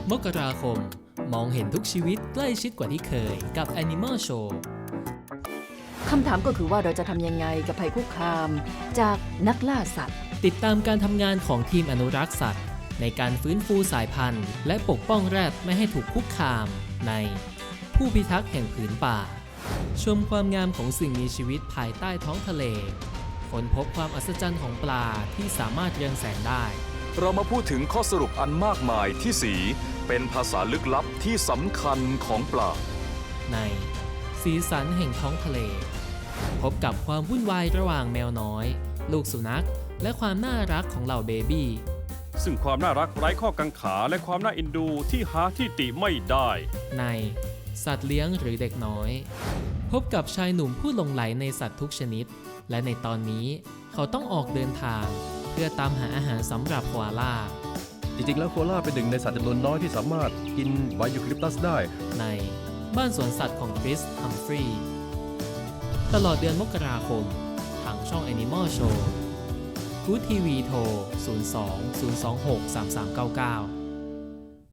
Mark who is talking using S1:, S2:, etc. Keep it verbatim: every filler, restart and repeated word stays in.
S1: มกราคมมองเห็นทุกชีวิตใกล้ชิดกว่าที่เคยกับ Animal Show
S2: คำถามก็คือว่าเราจะทำยังไงกับภัยคุกคามจากนักล่าสัตว์
S1: ติดตามการทำงานของทีมอนุรักษ์สัตว์ในการฟื้นฟูสายพันธุ์และปกป้องแรดไม่ให้ถูกคุกคามในผู้พิทักษ์แห่งผืนป่าชมความงามของสิ่งมีชีวิตภายใต้ท้องทะเลค้นพบความอัศจรรย์ของปลาที่สามารถเรืองแสงได้
S3: เรามาพูดถึงข้อสรุปอันมากมายที่สีเป็นภาษาลึกลับที่สำคัญของปลา
S1: ในสีสันแห่งท้องทะเลพบกับความวุ่นวายระหว่างแมวน้อยลูกสุนัขและความน่ารักของเหล่าเบบี้
S4: ซึ่งความน่ารักไร้ข้อกังขาและความน่าเอ็นดูที่หาที่ติไม่ได้
S1: ในสัตว์เลี้ยงหรือเด็กน้อยพบกับชายหนุ่มผู้หลงไหลในสัตว์ทุกชนิดและในตอนนี้เขาต้องออกเดินทางเพื่อตามหาอาหารสำหรับโคอาล่า
S5: จริงๆแล้วโคอาล่าเป็นหนึ่งในสัตว์จำนวนน้อยที่สามารถกินใบยูคาลิปตัสได้
S1: ในบ้านสวนสัตว์ของคริส ฮัมฟรีย์ตลอดเดือนมกราคมทางช่อง Animal Show กู๊ดทีวีโทร ศูนย์ สอง ศูนย์ สอง หก สาม สาม เก้า เก้า